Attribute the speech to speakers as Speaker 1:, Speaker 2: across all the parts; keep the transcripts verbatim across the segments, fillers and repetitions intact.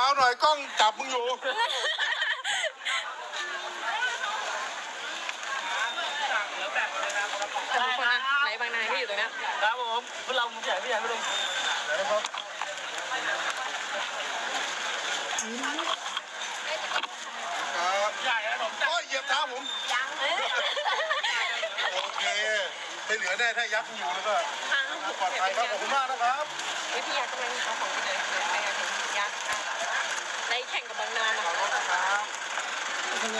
Speaker 1: าๆหน่อยกล้องจับมึงอยู่
Speaker 2: ทุกคนนะไหนบางนายที่อยู่ตรงนี้
Speaker 3: ครับผมพวกเราใหญ่พี่ใหญ่พี่ลุงครับ
Speaker 1: ครับ
Speaker 3: ใหญ่นะผม
Speaker 1: โอ้ยเหยียบเท้าผมยังโอเคไม่เหลือแน่ถ้ายักษ์อยู่แล้วก็ปลอดภัยครับขอบคุณมากนะครับ
Speaker 2: วิทยากำลังเอาของไปเลยไปกันยักษ์ได้แข่งกับบางนานะคะใช่ไหม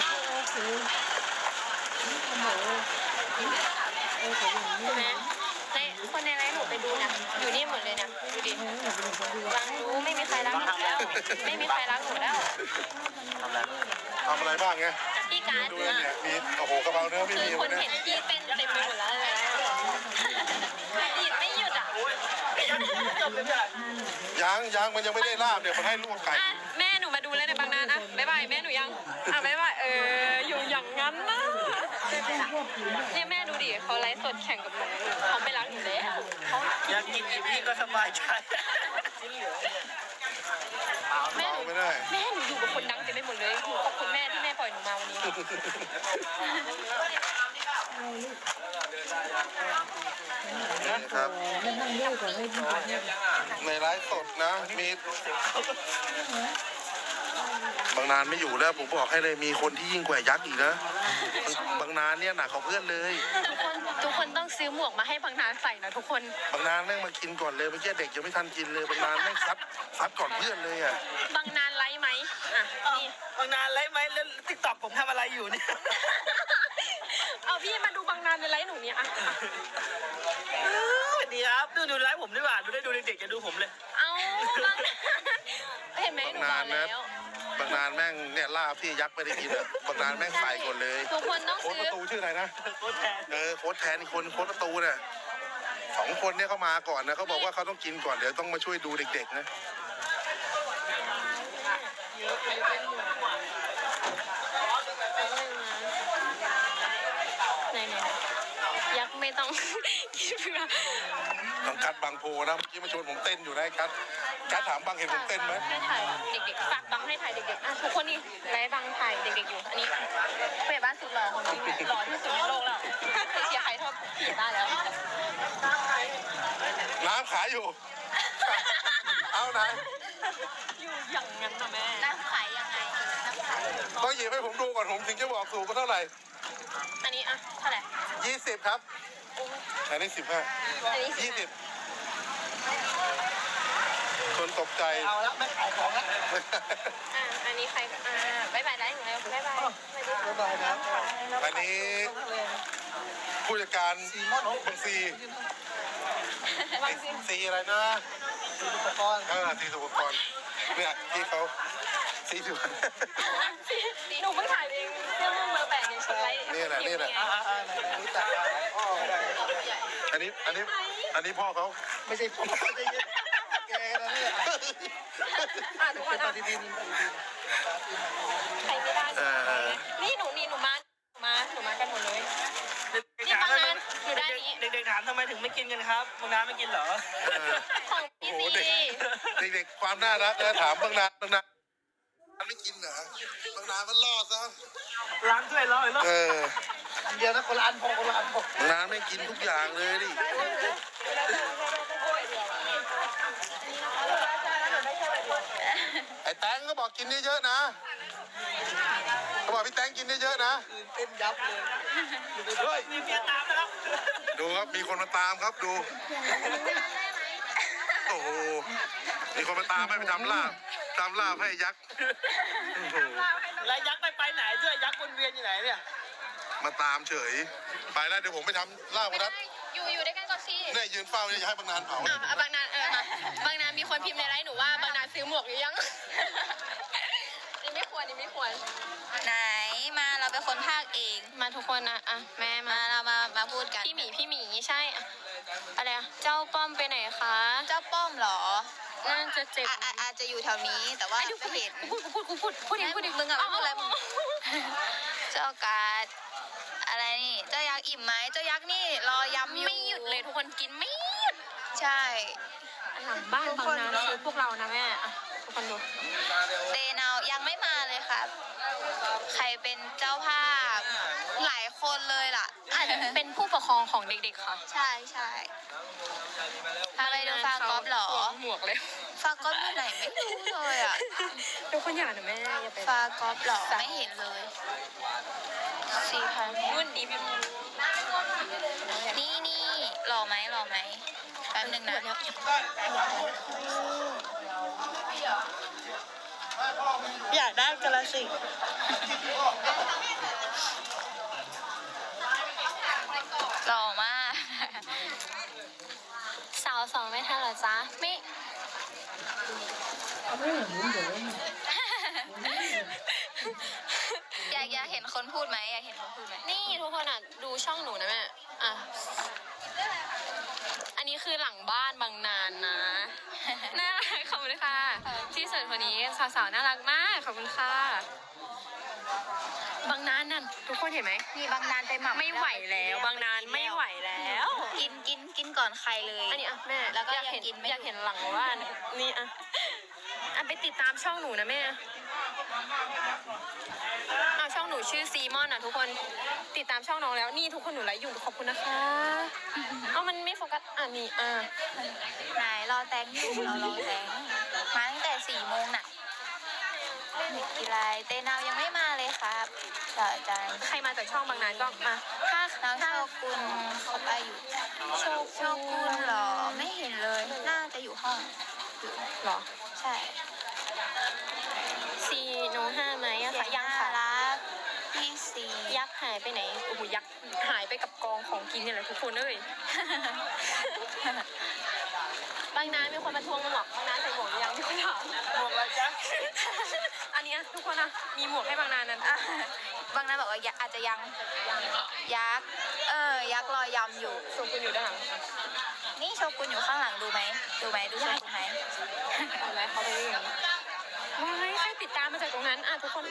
Speaker 2: ในคนในไลฟ์หนูไปดูนะอยู่นี่หมดเลยนะดูดิฟังรู้ไม่มีใครรักหนูแล้วไม่มีใครรักหนูแล้ว
Speaker 1: ทำอะไรบ้างไง
Speaker 2: พี่การ์ด
Speaker 1: ดูเนี่ยมีโอ้โหกระเป๋าเนื้อไม่มี
Speaker 2: คนเห็นพี่เต้นเต็มไปหมดแล้วเลยดีดไม่หยุดอ่ะ
Speaker 1: ยังยังมันยังไม่ได้ลาบเนี่ยมันให้ลวกไก่
Speaker 2: แม่หนูมาดูเลยในบางนานอ่ะบ๊ายบายแม่หนูยังอ่ะบ๊ายบายเอออยู่อย่างนั้นนะเนี่ยแม่ดูดิเขาไลฟ์สดแข่งกับหนูเขาไม่รักหนูแล้วเขา
Speaker 3: อยากกินอีพี่ก็สบายใจ
Speaker 2: แม่หนูแม่หนูอยู่กับคนดังเต็มไปหมดเลยขอบคุณแม่ที่แม่ปล่อยหนูมาวันนี้
Speaker 1: นะครับในไลฟ์สดนะมีบางนานไม่อยู่แล้วผมบอกให้เลยมีคนที่ยิ่งกว่ายักษ์อีกนะบางนานเนี่ยหนักกว่าเพื่อนเลย
Speaker 2: ทุกคนทุกคนต้องซื้อหมวกมาให้บางนานใส่นะทุกคน
Speaker 1: บางนานแม่งมากินก่อนเลยเมื่อกี้เด็กยังไม่ทันกินเลยบางนานแม่งซัดซัดก่อนเพื่อนเลยอ่ะ
Speaker 2: บางนานไลฟ์ไหมอ่ะนี่
Speaker 3: บางนานไลฟ์ไหมแล้วติ๊กต็อกผมทำอะไรอยู่เนี่ย
Speaker 2: เอาพี่มาดูบางนานในไลฟ์หนูเนี่ยอ่ะ
Speaker 3: ดีครับดูดูไลฟ์ผมดีกว่าดูได้ดูเด็กๆจะดูผมเลย
Speaker 2: เอาบางเห็นไหมหนูบอกแล้ว
Speaker 1: บางนานแม่งเนี่ยล่าพี่ยักษ์ไม่ได้กินอ่ะบางนานแม่งใส่ก่อนเลย
Speaker 2: ทุกคนต้องซื้อ
Speaker 1: โค้ชประตูชื่ออะไรนะ
Speaker 3: โค้ชแทน
Speaker 1: เออโค้ชแทนอีกคนโค้ชประตูเนี่ยสองคนเนี่ยเขามาก่อนนะเขาบอกว่าเขาต้องกินก่อนเดี๋ยวต้องมาช่วยดูเด็กๆนะ
Speaker 2: ยักษ์ไม่ต้องคิดเพื่อ
Speaker 1: ต้องกัดบางโพนะเมื่อกี้มาชวนผมเต้นอยู่นะกัดกัดถามบางเห็นผมเต้นไหม
Speaker 2: ให้ถ่ายเด็กๆฝากบังให้ถ่ายเด็กๆอ่ะทุกคนนี่ไลฟ์บังถ่ายเด็กๆอยู่อันนี้เพื่อนบ้านสุดหล่อของจริงหล่อที่สุดในโลกแล้วเชียร์ใครเท่าพี่ได้แล้ว
Speaker 1: น้ำขายอยู่เอาไหน
Speaker 2: อยู่อย่างนั้นนะแม่น้ำขายยังไงน้ำขาย
Speaker 1: ต้องหยิบให้ผมดูก่อนผมถึงจะบอกสูงก็เท่าไหร่
Speaker 2: อันนี้อ่ะเท่าไหร่
Speaker 1: ยี่สิบครับอันนี้สิบห้ายี่สิบคนตกใจ
Speaker 3: เอาละไม่ขายของละ
Speaker 2: อ่าอันนี้ใครอ่าบายบายได้ไหมบายบาย
Speaker 3: บายบายครับ
Speaker 1: อันนี้ผู้จัดการบางซีซีอะไรนะ
Speaker 3: ซีอุปกรณ์
Speaker 1: เออซีอุปกรณ์เนี่ยที่เขาซีสุ
Speaker 2: หนูเพิ่งถ่ายเองเรื่องเบอร์แปดในชุดไลท์
Speaker 1: นี่แหละนี่แหละอันนี้อันนี้อันนี้พ่อเขา
Speaker 3: ไม่ใช่พ่อไม่ใช่แกนะเนี่ย
Speaker 2: อ่ะทุกคนอ่ะใครไม่ได้นี่หนูนี่หนูมามาหนูมากันหมดเลยนี่บางนานอยู่ด้านนี้
Speaker 3: เด็กๆถามทำไมถึงไม่กินกันครับบางนานไม่กินเหรอ
Speaker 2: ของพี่ซี
Speaker 1: เด็กๆความน่ารักนะถามบางนานบางนานไม่กินเหรอบางนานมันล่อซะ
Speaker 3: ล้างถ้วยล่อเลยล่อ
Speaker 1: เออ
Speaker 3: เดียวนะคนละอันพอคนละอันพอบ
Speaker 1: างนานไม่กินทุกอย่างเลยดิไอ้แตงก็บอกกินเยอะๆนะเขาบอกพี่แตงกินเยอะๆนะ
Speaker 3: เต้นยับเลยเฮ้ยมีเพียงตามนะครับ
Speaker 1: ดูครับมีคนมาตามครับดูโอ้โหมีคนมาตามให้ไปทำลาบทำลาบให้ยักษ์
Speaker 3: แล้วยักษ์ไปไปไหนด้วยยักษ์วนเวียนอยู่ไหนเนี่ย
Speaker 1: มาตามเฉยไปแล้วเดี๋ยวผมไปทำลาบกันนะ
Speaker 2: อยู่อยู่ด้วยกันก็ซี่
Speaker 1: เนี่ยยืนเฝ้าจะให้บางนานเผา
Speaker 2: อ่ะบางนานเออมาบางนานมีคนพิมพ์ในไลน์หนูว่าบางนานซื้อหมวกหรือยังนี่ไม่ควรนี่ไม่ควร
Speaker 4: ไหนมาเราเป็นคนภาคเอง
Speaker 2: มาทุกคนนะอ่ะแม่
Speaker 4: มาเรามามาพูดกัน
Speaker 2: พี่หมีพี่หมีใช่อะไรอ่ะเจ้าป้อมไปไหนคะ
Speaker 4: เจ้าป้อมเหรอ
Speaker 2: น่าจะเจ็บ
Speaker 4: อาจจะอยู่แถวนี้แต่ว่าไม่เห็น
Speaker 2: พูดพูดพูดพูดพูดพูด
Speaker 4: มึงอะพูดอะไรมึงเจ้ากาดอะไรนี่เจ้ายักษ์อิ่มไหมเจ้ายักษ์นี่รอยำอยู่
Speaker 2: ไม่หยุดเลยทุกคนกินไม่หยุด
Speaker 4: ใช่
Speaker 2: หลังบ้านบางนาคือพวกเรานะแม่อ่ะทุกคนดู
Speaker 4: เตนาวยังไม่มาเลยครับ ใครเป็นเจ้าภาพ หลายคนเลยล่ะ
Speaker 2: อาจจะเป็นผู้ปกครองของเด็กๆค่ะ
Speaker 4: ใช่ใช่ทำไมดูฟากอฟเหรอ
Speaker 2: หมวกเลย
Speaker 4: ฟากอฟอยู่ไหนไม่รู้เลยอ่ะ
Speaker 2: ทุกคนอย่านะแม่อย่าไป
Speaker 4: ฟากอฟเหรอไม่เห็นเลยสี่พัน
Speaker 2: รุ่นดีพี่
Speaker 4: นี่นี่หล่อไหมหล่อไหมแป๊บนึงนะ
Speaker 3: อยากได้กระสิ
Speaker 4: หล่อมาก
Speaker 2: สาวสองไม่ทันเหรอจ๊ะไม่
Speaker 4: อยากอยากเห็นคนพูดไหมอยากเห็นคนพูดไหม
Speaker 2: นี่ทุกคนอ่ะดูช่องหนูนะแม่อ่ะอันนี้คือหลังบ้านบางนานนะน่ารักขอบคุณค่ะที่สุดคนนี้สาวๆน่ารักมากขอบคุณค่ะบางนานนั่นทุกคนเห็นไหม
Speaker 4: มีบางนานไปหม่ำ
Speaker 2: ไม่ไหวแล้วบางนานไม่ไหวแล้ว
Speaker 4: กินกินกินก่อนใครเลย
Speaker 2: อันนี้อ่ะแม่
Speaker 4: แล้วก็
Speaker 2: อยากเห็น
Speaker 4: ยังกินไม่
Speaker 2: อยากเห็นหลังบ้านนี่อ่ะอ่ะไปติดตามช่องหนูนะแม่อ้าวช่องหนูชื่อซีมอนอ่ะทุกคนติดตามช่องน้องแล้วนี่ทุกคนหนูไลฟ์อยู่ขอบคุณนะคะเอามันไม่โฟกัสอ่ะนี่อ่ะ
Speaker 4: ไหนรอแตงอยู่รอรอแตงมาตั้งแต่สี่โมงน่ะเด็กกีฬาเตนาวยังไม่มาเลยครับเดี๋ยวอาจารย์
Speaker 2: ใครมาจากช่องบางนานก็มาถ้า
Speaker 4: น้อง
Speaker 2: ถ้า
Speaker 4: โชกุนเขาไปอยู่
Speaker 2: โช
Speaker 4: โชกุนเหรอไม่เห็นเลยน่าจะอยู่ห้องอยู่
Speaker 2: หรอ
Speaker 4: ใช่
Speaker 2: ซีโนห้าไหมอะคะยัง
Speaker 4: น่า
Speaker 2: ค่ะ
Speaker 4: รักพี่สี
Speaker 2: ยักษ์หายไปไหนโอ้โหยักษ์หายไปกับกองของกินเนี่ยแหละทุกคนเอ้ย บางนานมีคนมาทวงหมวกบางนานใส่หมวกหรือยังมีคนถาม
Speaker 3: หมวกอะไรจ๊ะ
Speaker 2: อันนี้ทุกคนนะมีหมวกให้บางนานนั้น
Speaker 4: อ่ะบางนั้นบอกว่ายักษ์อาจจะยังยักษ์เออยักษ์รอยำอยู่
Speaker 2: ส่งคุณอยู่ด้านหลัง
Speaker 4: นี่โชกุนอยู่ข้างหลังดูไหมดูไหมดูโชกุนไหม
Speaker 2: อะไรเขาไปเรื่องว้ายใครติดตามมาจากตรงนั้นอ่ะทุกคน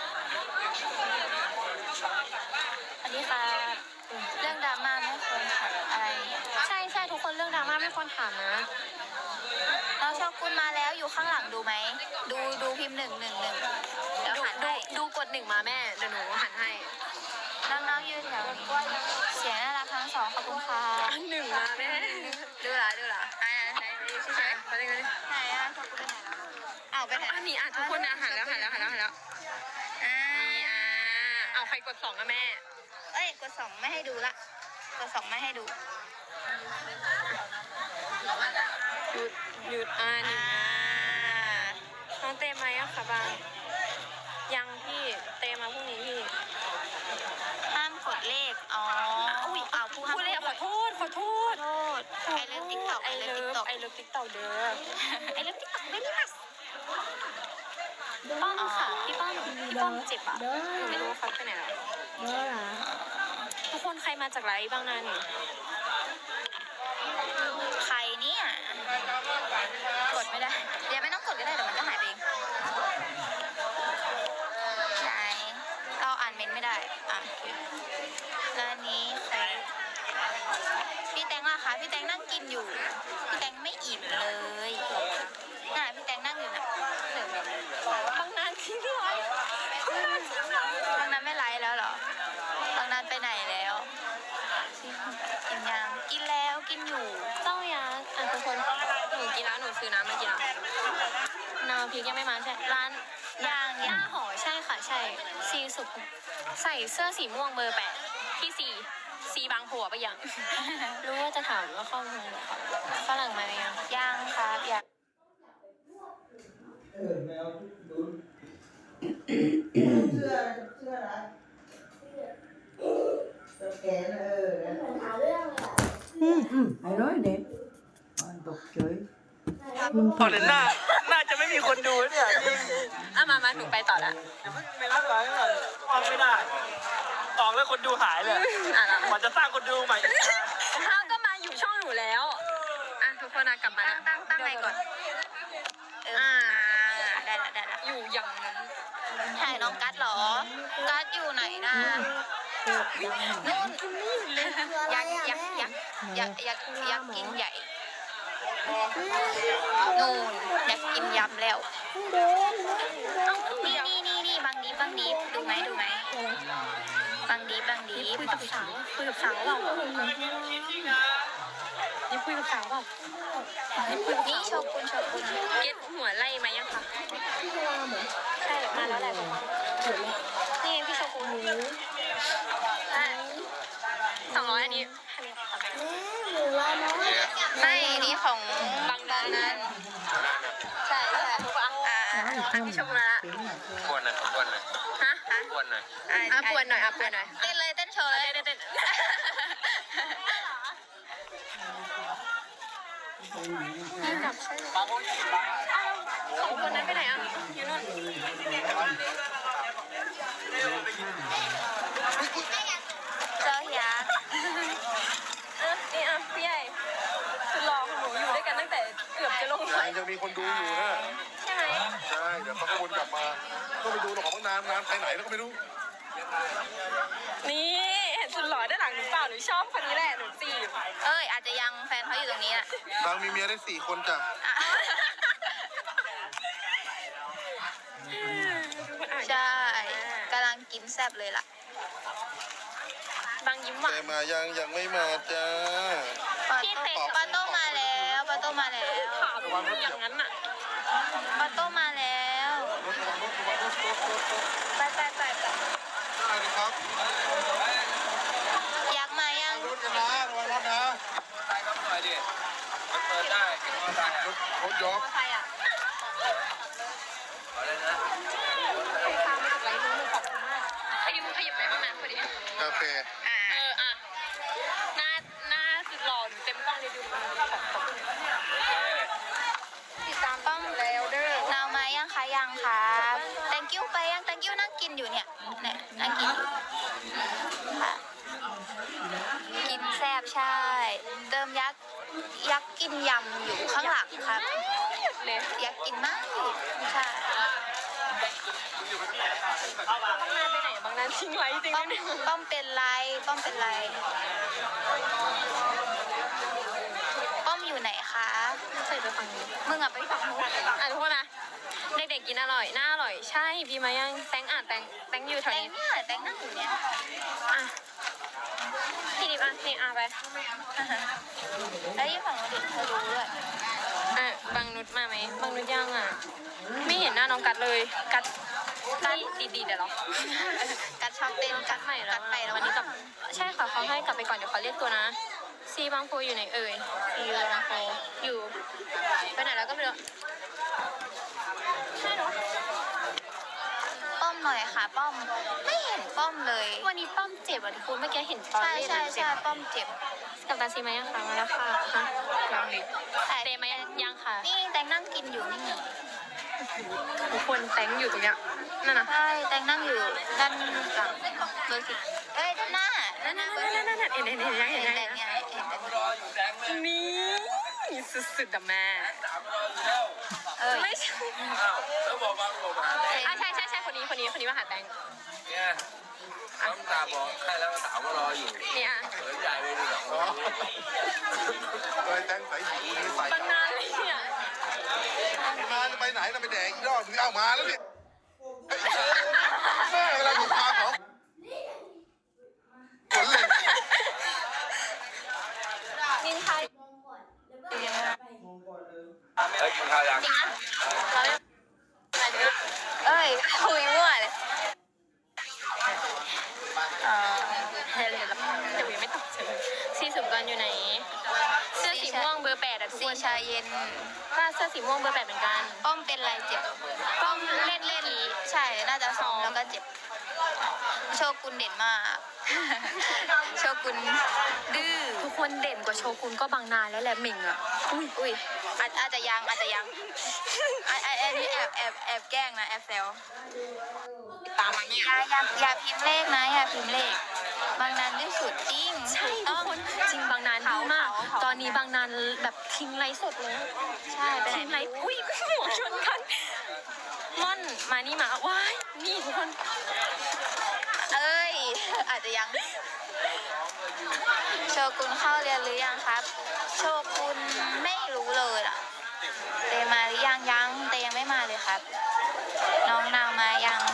Speaker 4: อันนี้ค่ะเรื่องดราม่าไม่ควรถามอะไร
Speaker 2: ใช่ใช่ทุกคนเรื่องดราม่าไม่ควรถามนะ
Speaker 4: น้องโชกุนมาแล้วอยู่ข้างหลังดูไหมดูดูพิมพ์หนึ่งหนึ่งหนึ่งเดี๋ยว
Speaker 2: ดู
Speaker 4: หัน
Speaker 2: ดู
Speaker 4: ให้
Speaker 2: ดูกดหนึ่งมาแม่เดี๋ยวหนูหันให้
Speaker 4: น้องๆยืนแถวนี้เสียงน่ารักทั้งสองขอบคุณค่ะ
Speaker 2: อันหนึ่งมาแม่
Speaker 4: ดูเหรอดูเหรออ่าไหนดูใช่ไหม
Speaker 2: ไปเลยไปเลย
Speaker 4: ไหนอ่ะโชกุนไปไหนแล้วอ้าวไปไหน
Speaker 2: อันนี้อ่ะทุกคนนะหันแล้วหันแล้วหันแล้วหันแล้ว
Speaker 4: อ่า
Speaker 2: นี่อ่ะเอาใครกดสองอะแม่
Speaker 4: เอ้ยกดสองไม่ให้ดูละกดสองไม่ให้ดู
Speaker 2: หยุดหยุดอ่านี่
Speaker 4: อ่า
Speaker 2: น้องเตมไหมอะคะบางยังพี่เตมาพรุ่งนี้พี่
Speaker 4: ห้ามกดเลขอ๋ออุ้ยอ้าวผู้ห้าม
Speaker 2: พูดเลยขอโทษขอโทษ
Speaker 4: โทษไอเลิฟติ๊กต็อก
Speaker 2: ไอ
Speaker 4: ไอเลิ
Speaker 2: เลิ
Speaker 4: ฟติ๊ก
Speaker 2: ฟ
Speaker 4: ต็อก
Speaker 2: ไอเลิฟติ๊กต็อกเด้อ
Speaker 4: ไอเลิฟติ๊กต็อกไม่ได้มัส
Speaker 2: ป้อมค่ะพี่ป้อมพี่ป้อมเจ็บอ่ะหนูไม่รู้ว่าเขาไปไหนแล้วทุกคนใครมาจากไรบ้างนะนี่
Speaker 4: ใครเนี่ยกดไม่ได้เดี๋ยวไม่ต้องกดก็ได้เดี๋ยวมันก็หายไปเองไหนเราอ่านเมนต์ไม่ได้อ่ะแล้วอันนี้ใครพี่แตงล่ะคะพี่แตงนั่งกินอยู่พี่แตงไม่อิ่มเลยน่ะพี่แตงนั่งอยู่น่ะ
Speaker 2: บางนานทิ้งไว้
Speaker 4: บางนั้นไม่ไลฟ์แล้วเหรอ บางนั้นไปไหนแล้วกินยังกินแล้วกินอยู่
Speaker 2: เจ้ายักษ์อ่ะทุกคนหนูกินแล้วหนูซื้อน้ำมากินแล้วน้ำพริกยังไม่มาใช่ร้าน
Speaker 4: ย่าง
Speaker 2: ย่า
Speaker 4: ย่าง
Speaker 2: หอใช่ค่ะใช่ซีสุดใส่เสื้อสีม่วงเบอร์แปดที่ซีซีบางผัวไปยัง รู้ว่าจะถามว่าเข้าเมืองเหรอครับฝรั่งมาหรือยัง
Speaker 4: ย่างครับย่าง
Speaker 5: เออแมวดูเสื้อเสื้ออะไรสแกนเออ
Speaker 6: อืมอืมไอ้ร้อยเด็ดมันตกเฉย
Speaker 3: พอเห็นหน้าน่าจะไม่มีคนดูเนี่ยจริง
Speaker 2: อ่ะมามาหนูไปต่อละ
Speaker 3: เดี๋ยวเพิ่งไปรับก่อนก่อนออกไม่ได้ออกแล้วคนดูหายเลย
Speaker 2: อ่ะแล้ว
Speaker 3: มันจะสร้างคนดูใหม่อีก
Speaker 2: ข้าวก็มาอยู่ช่องหนูแล้วอ่ะทุกคนนะกลับมา
Speaker 4: ตั้งตั้งตั้งไหนก่อน เอออ่าได้ละได้ละ
Speaker 2: อยู่อย่างนั้น
Speaker 4: ถ่ายน้องกัดเหรอ กัดอยู่ไหนนะนู่นยักษ์ยักษ์ยักษ์ยักษ์ยักษ์ยักษ์กินใหญ่นู่นอยากกินยำแล้ว นี่นี่นี่นี่บางดีบางดีดูไหมดูไหมบางดีบางดี
Speaker 2: คุยกับสาวคุยกับสาวเปล่านี่คุยกับสาวเปล่านี่คุยกับ
Speaker 4: นี่
Speaker 2: สาว
Speaker 4: โชกุนโชกุน
Speaker 2: เก็ตหัวไล่มายังคะใช่มาแล้วแหละนี่พี่โชกุนสองร้อยอันนี้
Speaker 4: ไม่นี่ของ
Speaker 2: บางดันนั้น
Speaker 4: ใช่ใช่อ่า
Speaker 2: อันพี่โชกุนมาละ
Speaker 3: ปวนหน่อยปวนหน่อย
Speaker 2: ฮะ
Speaker 3: ปวนหน่อย
Speaker 2: อ่ะปวนหน่อยอ่ะปวนหน่อย
Speaker 4: เต้นเลยเต้นโชว์เลย
Speaker 2: เต้นเต้นจับใช่สองคนนั้นไปไหนอ่ะอยู่นู่น
Speaker 4: เจ้ายักษ์
Speaker 2: เออนี่อ่ะพี่ใหญ่คือรอของหนูอยู่ด้วยกันตั้งแต่เกือบจะลงไฟ
Speaker 1: ยังจะมีคนดูอยู่นะ
Speaker 2: ใช่ไหม
Speaker 1: ใช่เดี๋ยวเขาก็วนกลับมาก็ไปดูหรอกของนานนานไปไหนแล้วก็ไม่รู้
Speaker 2: นี่เห็นสุดหล่อด้านหลังหนูเปล่าหนูชอบคนนี้แหละหนูจีบ
Speaker 4: เอ้ยอาจจะยังแฟนเขาอยู่ตรงนี้อ่ะ
Speaker 1: นางมีเมียได้สี่คนจ้ะ
Speaker 4: อ่ะใช่กำลังกินแซ่บเลยล่ะ
Speaker 2: บางยิ้มหวา
Speaker 1: แต่
Speaker 2: น
Speaker 1: มายังยังไม่มาจ้า
Speaker 4: ปาโต้ปาโต้มาแล้วปาโต้มาแล้ว
Speaker 2: ถามอย่างนั้นอ่ะ
Speaker 4: ปาโต้มาแล้ว
Speaker 1: รถระวังรถระวังรถรถรถรถ
Speaker 4: ไปไปไปไป
Speaker 1: ได้เลยครับ
Speaker 4: ยักษ์มายัง
Speaker 1: รถกันนะระวังรถนะ
Speaker 3: ใช่ครับหน่อยดิมันเปิดได้กินมอเตอร์ไซค์
Speaker 1: รถรถยก
Speaker 2: ใครอ่ะ
Speaker 3: อะไรนะ
Speaker 2: ใครพามาจากไรรู้หนูขอบคุณมากขยิบขยิบไหนบ้างนะพอดี
Speaker 1: กาแฟ
Speaker 4: อ่า
Speaker 2: เอออ่ะหน้าหน้าสุดหล่อหนูเต็มกล้องเลยดูขอบคุณติดตามป้อมแล้วเด้อน
Speaker 4: าวมายังคะยังครับ thank you ไปยัง thank you นั่งกินอยู่เนี่ยเนี่ยนั่งกินอยู่ค่ะกินแซ่บใช่ เติมยักษ์ยักษ์กินยำอยู่ข้างหลังครับ
Speaker 2: หยุดเลย
Speaker 4: ยักษ์กินมากใช่
Speaker 2: บางนานไปไหนบางนานทิ้งไว้จริง
Speaker 4: ป้อม
Speaker 2: เนี่ย
Speaker 4: ป้อมเป็นไรป้อมเป็นไรป้อมอยู่ไหนคะ
Speaker 2: ใส่ไปฝั่งนี้
Speaker 4: มึงอะไปฝั่งนู้น
Speaker 2: อ่ะทุกคนนะเด็กๆกินอร่อยน่าอร่อยใช่พี่มายังแตงอ่ะแตงแตงอยู่แถ
Speaker 4: แต
Speaker 2: ว
Speaker 4: ง
Speaker 2: นี้
Speaker 4: เนี่ยแตงนั่งอยู่เนี่ย
Speaker 2: อ่ะพี่ดิบอ่ะนี่อ่ะไป
Speaker 4: แล้วยี่ฝั่งนู้นดิเธอรู้ด้วย
Speaker 2: อ่ะบางนุชมาไหมบางนุชยังอ่ะไม่เห็นหน้าน้องกัดเลยกัดกัดดีๆเดี๋ยวหรอ
Speaker 4: กัดชอบเต้น
Speaker 2: กัดใหม่แล้ว
Speaker 4: กัดไปแล้ว
Speaker 2: วันนี้กลับใช่ค่ะเขาให้กลับไปก่อนเดี๋ยวเขาเรียกตัวนะซีบางโพอยู่ไหนเอ่ยซีบางโพอยู่ไปไหนแล้วก็ไม่รู้ใช่เนาะ
Speaker 4: ป้อมหน่อยค่ะ ป้อมไม่เห็นป้อมเลย
Speaker 2: วันนี้ป้อมเจ็บอ่ะทุกคนเมื่อกี้เห็นตอน
Speaker 4: ใช่
Speaker 2: เล่น
Speaker 4: ใช่
Speaker 2: อะเจ็
Speaker 4: ใช่
Speaker 2: บ
Speaker 4: ป้อมเจ็บ
Speaker 2: กับตาซีไหมยังคะมาแล้วค่ะฮะยังดิ
Speaker 4: แต่
Speaker 2: เตไหมยังค่ะ
Speaker 4: นี่แตงนั่งกินอยู่นี่
Speaker 2: ทุกคนแตงอยู่ตรงเนี้ยนั่นนะ
Speaker 4: ใช่แตงนั่งอยู่ด้านหลังเบอร์สิบเอ้ยด้านหน้า
Speaker 2: นั่
Speaker 4: ด้าน นห
Speaker 2: นั่
Speaker 4: น้าน เบอร์
Speaker 2: นั่นนั่นเห็นเห็นเห็นยัง
Speaker 4: เห็
Speaker 2: เห็
Speaker 4: น
Speaker 2: น
Speaker 4: แต
Speaker 2: ยัง
Speaker 4: งเนี่ยเห็น
Speaker 3: รออยู่แดงแม่
Speaker 2: นี่สุดๆอะแม่
Speaker 3: สามรออยู่แล้ว
Speaker 4: เอ้ย
Speaker 2: ไม่ใช่
Speaker 3: อ้าวแล้วบอกว่าบอกมาแดง
Speaker 2: อ่ะใช่ใช่ใช่คนนี้คนนี้คนนี้มาหาแตง
Speaker 3: เนี่ยน้ำตาบอกใครแล้วสาวก็รออยู่
Speaker 2: เนี่ย
Speaker 3: เปิดใหญ่เลยดีสอง
Speaker 1: อ๋อเลยแตงใส่หิวนี่ใส่
Speaker 2: บางนานเลยเนี่ย
Speaker 1: มาจะไปไหนเราไปแดกอีกรอบนึงเอามาแล้วเนี่ยแม่เวลาอยู่พาเขาขนเลย
Speaker 2: นินไทย
Speaker 3: เฮ้ยกินข้าวยัง
Speaker 2: เราเรียกอะไรเนี่ย
Speaker 4: เอ้ยคุยมั่วเลย
Speaker 2: เออเดี๋ยวเดี๋ยวเดี๋ยวไม่ตอบเฉยซีสุ่มกันอยู่ไหนเสื้อสีม่วงเบอร์แปดอะทุก
Speaker 4: สี
Speaker 2: คน
Speaker 4: ชาเย็น
Speaker 2: ถ้าเสื้อสีม่วงเบอร์แปดเหมือนกัน
Speaker 4: ป้อมเป็นไรเจ็บ
Speaker 2: ป้อมเล่นเล่น
Speaker 4: ใช่ น่าจะซ้อมแล้วก็เจ็บ โชกุนเด่นมาก โชกุนดื้อ
Speaker 2: ทุกคนเด่นกว่าโชกุนก็บางนานแล้วแหละหมิงอะ
Speaker 4: อุ้ยอุ้ยอาจอาจจะยังอาจจะยังอันอันอันนี้แอบแอบแอบแกล้งนะแอบแซว
Speaker 2: ตามมาเนี่ย
Speaker 4: อย่าอย่าอย่าพิมพ์เลขนะอย่าพิมพ์เลข บางนานที่สุดจริง
Speaker 2: ใช่
Speaker 4: ถูก
Speaker 2: ทุ
Speaker 4: ต้
Speaker 2: ก
Speaker 4: อง
Speaker 2: คนจริงบางนานดีมาก
Speaker 4: เผาเผา
Speaker 2: ตอนนี้บางนานแบบทิ้งไลฟ์สดเลย
Speaker 4: ใช่ไปไหน
Speaker 2: ทิ้งไลฟ์อุ้ยหัวชนกันม่อนมานี่มาว้ายนี่ทุกคน
Speaker 4: เอ้ย อาจจะยัง โชกุนเข้าเรียนหรือยังครับ โชกุนไม่รู้เลยอ่ะ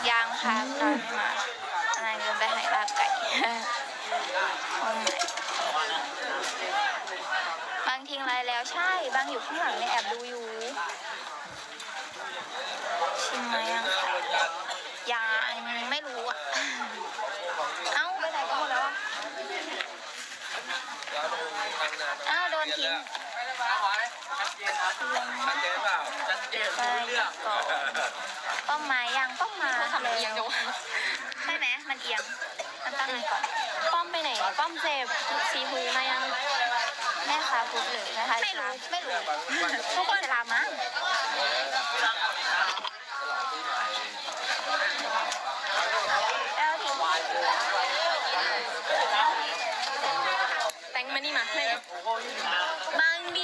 Speaker 4: ยังค่ะนายไม่มาอนายเดินไปหายลาบไก่โอ้ยบางทิ้งไรแล้วใช่บางอยู่ข้างหลังเนี่ยแอบดูอยู่ชิมไหมยังคะยังไม่รู้อ่ะเอ้าไปไหนกันหมดแล้วอ่ะอ้าวโดนทิ้งไปก่อนป้อมไม้ยังป้อมมา
Speaker 2: ทำเอียงจังวะ
Speaker 4: ใช่ไหมมันเอียงมันตั้งไงก่อน
Speaker 2: ป้อมไปไหนป้อมเจ็บสีหูมายัง
Speaker 4: แม่คะพูดเลยนะคะไม่รู้ไม่รู้ทุกคนจะลามั้งแล้วทิ้ง
Speaker 2: แตงมานี่มาให้บางดี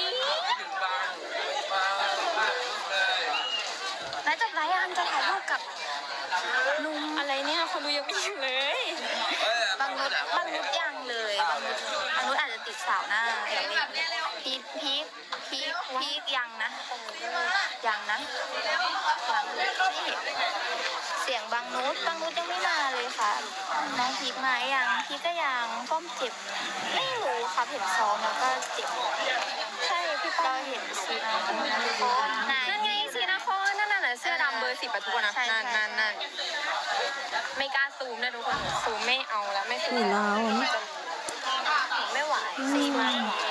Speaker 4: แล้วจบไลฟ์อันจะถ่ายรูปกับลุง
Speaker 2: อะไรเนี่ยคนดูยังไม่อยู่เลย
Speaker 4: บางนุชบางนุชยังเลยบางนุชบางนุชอาจจะติดสาวหน้าเดี๋ยวพีคพีคพีคพีคยังนะยังนะยังนี่เสียงบางนุชบางนุชยังไม่มาเลยค่ะน้องพีคมายังพีคก็ยังป้อมเจ็บไม่รู้ค่ะเห็นซ้อมแล้วก็เจ็บใช่พี่ป้อมเห็นซีนาคอนไหน
Speaker 2: นั่นไงสีนาคอนนั่นน่ะเสื้อดำเบอร์สิบอะทุกคนนะ
Speaker 4: ใช่ใช่
Speaker 2: นั่นนั่นนั่นไม่กล้าซูมนะทุกคนซูมไม่เอาแล้วไม่ซู
Speaker 6: นี่
Speaker 2: ม
Speaker 6: ลาวนี่
Speaker 2: ไม่ไหว
Speaker 4: ซีมา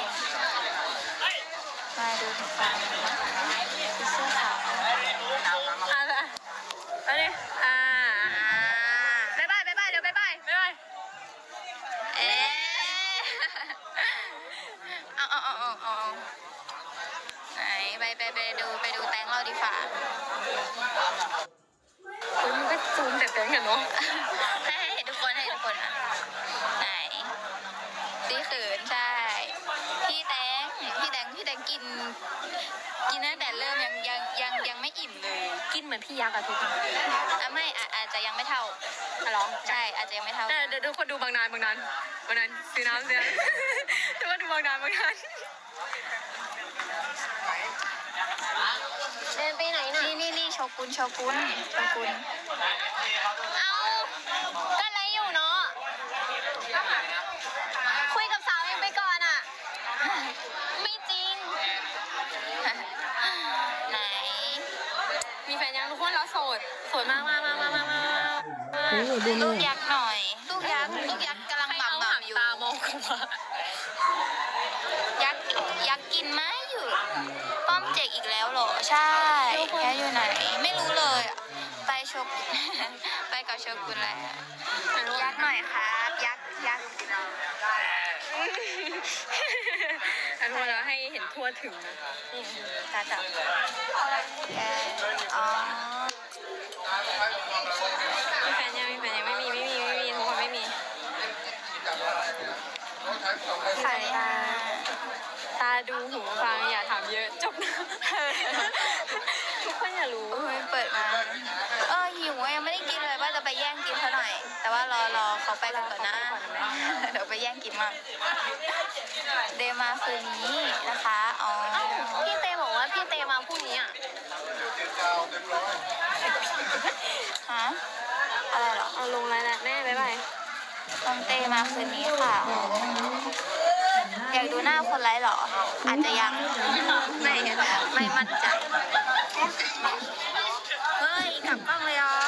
Speaker 4: มาดูฟันเสื้อขาว
Speaker 2: อะไรอันนี้อ่าบ๊ายบายบ๊ายบายเดี๋ยวบ๊ายบายบ๊ายบาย
Speaker 4: เอ๊ะเอาเอาเอาเอาเอาไหนไปไปไปดูไปดูแตงเราดีฝ่า
Speaker 2: คุณมันก็ซูมแต่แตงกันเนาะ
Speaker 4: ให้ให้เห็นทุกคนให้เห็นทุกคนอ่ะไหนสีขืนใช่พี่แตงพี่แตงพี่แตงกิน กินตั้งแต่เริ่มยังยังยังยังไม่อิ่มเลย
Speaker 2: กินเหมือนพี่ยักษ์อะทุกคน
Speaker 4: อ่ะไม่อาอาจจะยังไม่เท่า
Speaker 2: อะหรอ
Speaker 4: ใช่อาจจะยังไม่เท่า
Speaker 2: แต่เดี๋ยวทุกคนดูบางนานบางนานบางนานซื้อน้ำซื้อน้ำทุกคนดูบางนานบางนานเดินไปไหนน่ะ
Speaker 4: นี่นี่นี่โชกุนโชกุนโชกุน
Speaker 2: เอาก็ไรอยู่เนาะคุยกับสาวเองไปก่อนอะไม่จริง
Speaker 4: ไหน
Speaker 2: มีแฟนยังทุกคนเราโสดโสดมากมากมากมากมากมาก
Speaker 6: โอ้ยดู
Speaker 4: ลู
Speaker 6: นี่
Speaker 4: กยักษ์หน่อยลูกยักษ์ลูกยักษ์กำลัง
Speaker 2: ให้
Speaker 4: หม่ำ
Speaker 2: เอา
Speaker 4: ห
Speaker 2: หาง
Speaker 4: ม่ำอยู่
Speaker 2: ตามองกูมา
Speaker 4: ยักษ์ยักษ์กินไหมอยู่ ป้อมเจกอีกแล้วเหรอ ใช่แกอยู่ไหน ไม่รู้เลยอะไปโชกุน ไปกับโชกุนแล้วยักษ์หน่อยครับยักษ์ยักษ์
Speaker 2: อันนี้เราให้เห็นทั่วถึงนะ
Speaker 4: นี่ตาจับแกอ๋อ
Speaker 2: มีแฟนยังมีแฟนยังไม่มีไม่มีไม่มีทุกคนไม่มี
Speaker 4: ใส่ตา
Speaker 2: ตาดูหูฟังอย่าถามเยอะจบนะ ทุกคนอย่ารู้
Speaker 4: โอ้ยเปิดมา เออหิวอะยังไม่ได้กินเลยว่าจะไปแย่งกินเขาหน่อย แต่ว่ารอรอเขาไปกันก่อนนะ เดี๋ยวไปแย่งกินมั่งเดมาคืนนี้นะคะ อ๋อ
Speaker 2: พี่เตบอกว่าพี่เตมาพรุ่งนี้อ่ะ
Speaker 4: ฮะ อะไรเหรอ
Speaker 2: เอาลงแล้วนะแม่บ๊ายบาย
Speaker 4: น้องเตมาคืนนี้ค่ะ อยากดูหน้าคนไร้เหรอ อาจจะยัง ไม่ไม่มั่นใจ เฮ้ยกลับกล้องเลยอ๋อ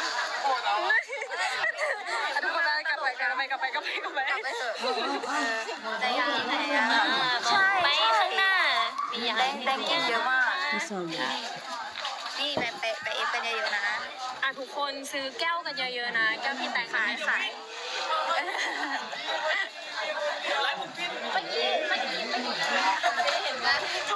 Speaker 2: ทุกคนกลับไปกลับไปกลับไปกลับไปกลับไป
Speaker 4: กลับไปเถอะแต่ยังที่ไหนอะใช่
Speaker 2: ไปข้างหน้า
Speaker 4: แดงแดงกินเยอะมาก
Speaker 6: ไม่สน
Speaker 4: นี่ไปไปไปเอฟกันเยอะๆนะ
Speaker 2: อ่ะทุกคนซื้อแก้วกันเยอะๆนะแก้วพี่แตง
Speaker 4: ขายขายเมื่อกี้เมื่อกี้เมื่อกี้เห็นไหม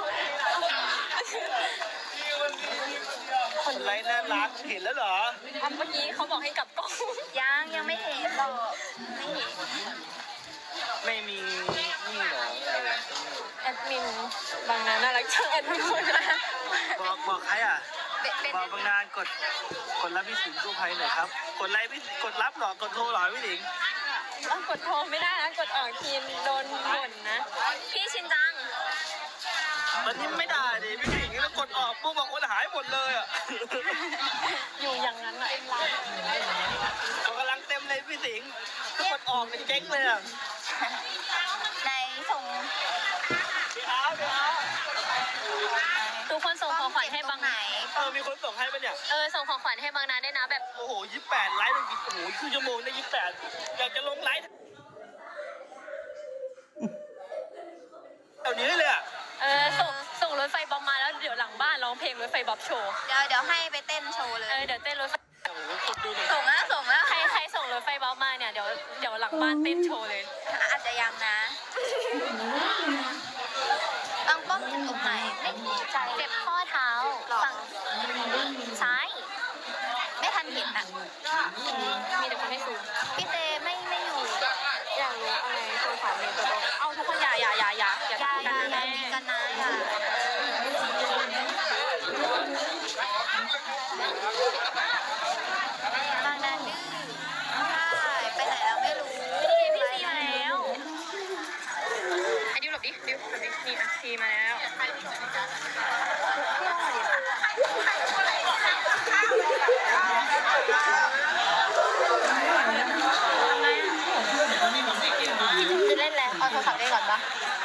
Speaker 3: คนไรน่ารักเห็นแล้วเหรอ
Speaker 2: อ่ะเมื่อกี้เขาบอกให้กลับกล้อง
Speaker 4: ยังยังไม่เห็นหรอกไม่เห็น
Speaker 3: ไม่มีนี่เหรอ
Speaker 2: แอดมินบางนาน่ารักจังแอดมินคนนะ
Speaker 3: บอกบอกใครอ่ะ
Speaker 4: เป็นเป็น
Speaker 3: บอกบางนานกดกดรับพี่สิงห์กู้ภัยหน่อยครับ กดไลค์พี่กดรับเหรอกดโทรเหรอพี่สิงห์
Speaker 2: ต้องกดโทรไม่ได้นะกดออกทีมโดนบ่นนะพี่ชินจัง
Speaker 3: วันนี้ไม่ได้ดิพี่สิงห์ต้องกดออกปุ๊บบอกคนหายหมดเลยอ่ะ
Speaker 2: อยู่อย่างนั้นอ่ะ
Speaker 3: กำลังเต็มเลยพี่สิงห์กดออกเป็นเจ๊งเลยอ่ะ
Speaker 4: ในส่ง
Speaker 3: เดี๋ยวเดี๋ยว
Speaker 2: ทุกคนส่งของขวัญให้บาง
Speaker 4: ไหน
Speaker 3: เออมีคนส่งให้ปะเนี่ย
Speaker 2: เออส่งของขวัญให้บางนาได้นะแบบ
Speaker 3: โอ้โหยี่สิบแปดไลฟ์เลยโอ้โหครึ่งชั่วโมงได้ยี่สิบแปดอยากจะลงไลฟ์เดี๋ยวนี้เลยอ่ะ
Speaker 2: เออส่งส่งรถไฟบ๊อบมาแล้วเดี๋ยวหลังบ้านร้องเพลงรถไฟบ๊อบโชว์
Speaker 4: เดี๋ยวเดี๋ยวให้ไปเต้นโชว์เล
Speaker 2: เอย อเดี๋ยวเต้นรถไฟ
Speaker 3: โอ้โหคนดูหน่อย
Speaker 4: ส่งแล้วส่งแล้ว
Speaker 2: ใครใครส่งรถไฟบ๊อบมาเนี่ยเดี๋ยวเดี๋ยวหลังบ้านเต้นโชว์เลย
Speaker 4: อาจจะยังนะบางป้อมเจ็บตรงไหนไม่แน่ใจ
Speaker 2: เจ็บข้อเท้าฝั่งซ้าย
Speaker 4: ไม่ทันเห็นอ่ะ
Speaker 2: มีแต่คนให้ซูม
Speaker 4: พี่เตไม่ไม่อยู่
Speaker 2: อยากรู้อะไรโทรถามเมย์ตัวตรงเอาทุกคนอย่าอย่าอย่าอย่าอย่า
Speaker 4: อยา
Speaker 2: ทำ
Speaker 4: อ
Speaker 2: กัน
Speaker 4: ยา
Speaker 2: นะ
Speaker 4: อยา
Speaker 2: แม่
Speaker 4: มีกันนะอย่าบางนาดื้อใช่ไปไหนแล้วไม่รู้
Speaker 2: นี่พี่ซีมาแล้วไอ้ดิวหลบดิดิวหลบดินี่อ่ะซีมาแล้วจะเล่นแล้วเอาโทรศัพท์ได้ก่อนปะ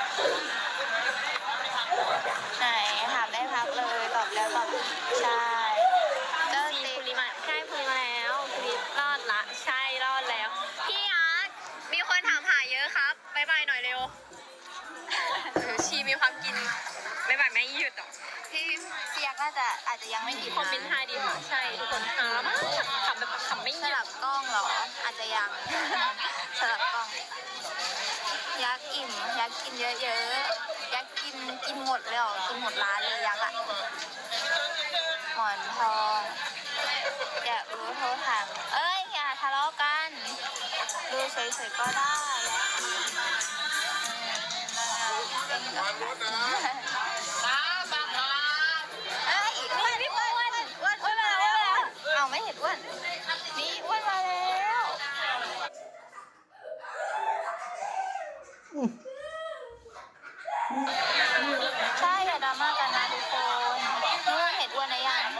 Speaker 4: ไหนถามได้พักเลยตอบแล้วตอบอีกใช่เจ้า
Speaker 2: ซี
Speaker 4: ติ๊
Speaker 2: คุ
Speaker 4: ก
Speaker 2: ริมาใช่คุริมาแล้วคุริรอดละใช่รอดแล้ว พี่อาร์ตมีคนถามหาเยอะครับบ๊ายบายหน่อยเร็วเออชีมีความกินบ๊ายบายแม่หยุดอ่ะ
Speaker 4: พี่เสียกน่าจะอาจจะยังไม่กิน
Speaker 2: คอมเมนต์ไฮดีค่ะใช่ทุกคนหามากขำแบบขำไม่ห
Speaker 4: ส
Speaker 2: ยุด
Speaker 4: ลับกล้องเหรอ อาจจะยัง สลับกล้อง ยักษ์อิ่ม ยักษ์กินเยอะๆ ยักษ์กินกินหมดเลยเหรอ กินหมดร้านเลยยักษ์อะหมอนทองอยากรู้โทรถามเอ้ยอย่าทะเลาะกัน ดูเฉยๆก็ได้เป็นกับ
Speaker 1: รถนะ
Speaker 4: เอ้ยอ้วนอ้วนอ้วนอ้วนอ้วนมาแล้วเอาไม่เห็นอ้วนนี่อ้วนมาแล้ว ใช่อย่าดราม่ากันนะทุกคนนู่นเห็นอ้วนหรือยัง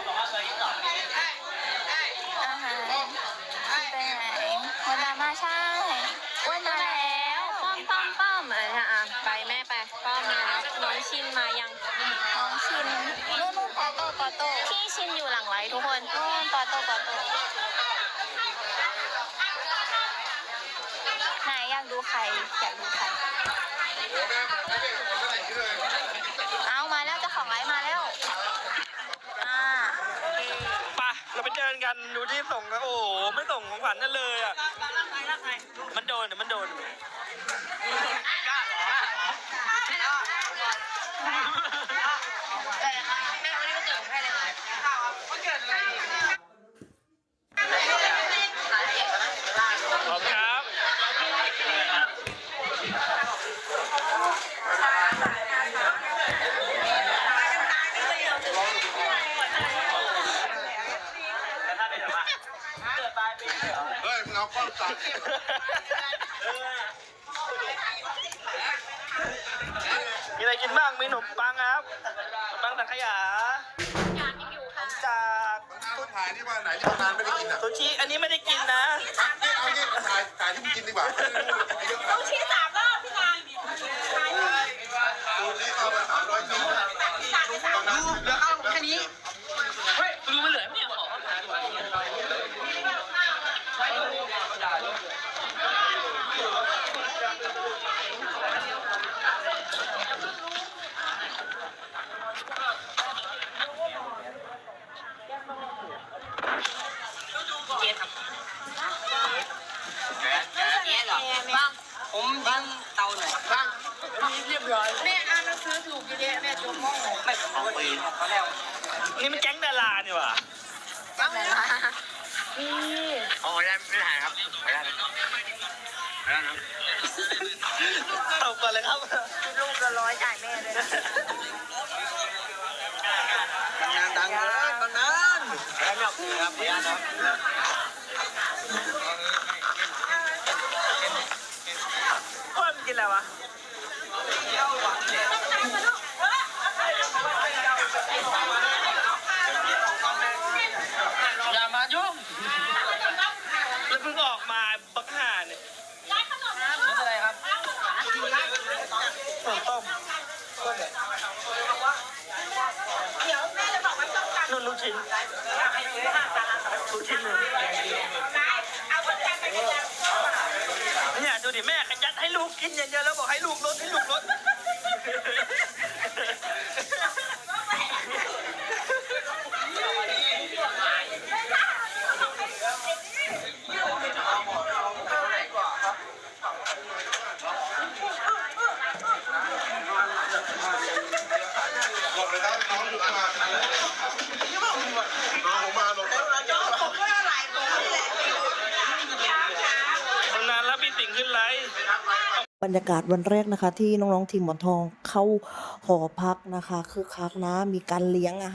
Speaker 4: อาหารไปไหนคนดราม่าใช่อ้วนมาแล้ว
Speaker 2: ป้อมป้อมป้อมอ่ะฮะอ่ะไปแม่ไปป้อมมาแล้วน้องชินมายัง
Speaker 4: น้องชินนู่นนู่นปอโต้ปอโต้
Speaker 2: พี่ชินอยู่หลังไลท์ทุกคน
Speaker 4: นู่นปอโต้ปอโต้ไหนอยากดูใครอยากดูใครเอามาแล้วเจ้าของไลฟ์มาแล้วอ่าโอเค
Speaker 3: ไปเราไปเจอกันดูที่ส่งนะโอ้โหไม่ส่งของขวัญนั่นเลยอ่ะมันโดนเดี๋ยวมันโดน ขอบครับ
Speaker 1: เฮ้ยมึงเอากล้องตัด
Speaker 3: มีอะไรกินบ้าง มีขนมปังครับขนมปังสังขยาขนมจาก
Speaker 1: ต้นถ่ายที่ว่าไหนที่นานไม่ได้กินอ่ะ
Speaker 3: ซูชิอันนี้ไม่ได้กินนะ
Speaker 1: นี่เอางี้ถ่ายถ่ายที่มึงกินดีกว่าซูชิสามรอบพี่นานซูชิเอาไปสามร้อยชิ้นตอนนั้น
Speaker 3: เดี๋ยวเอาแค่นี้ เฮ้ยดูมันเหลือเนี่ยขอผมยิงเตาหน่อยบ้างเรียบร้อยแม่อ่านหนังสือถูกเยอะแม่จบมองไม่ของปีนเขาแล้วนี่มันแก๊งดารานี่หว่า
Speaker 4: จังเลยนะ
Speaker 3: อ๋อได้ไม่ถ่ายครับไม่ได้ไม่ได้นะเอาก่อนเลยครับ
Speaker 4: ลูกละร้อยจ่ายแม่เลยนะ
Speaker 3: งานดังเลยบางนั้นแล้วเนี่ยครับพี่อาร์ตครับว่ามันกินอะไรวะชิ้นทุกชิ้นเลยเนี่ยดูดิแม่ขยันให้ลูกกินอย่างเดียวแล้วบอกให้ลูกลดให้ลูกลด
Speaker 1: หลบเลยครับน้องอยู่ข้างมาน้องผมมาหลบ
Speaker 3: นานแล้วพี่ติ่งขึ้นไลฟ์
Speaker 7: บรรยากาศวันแรกนะคะ ที่น้องๆทีมหมอนทองเข้าหอพักนะคะคือคักนะมีการเลี้ยงอาหาร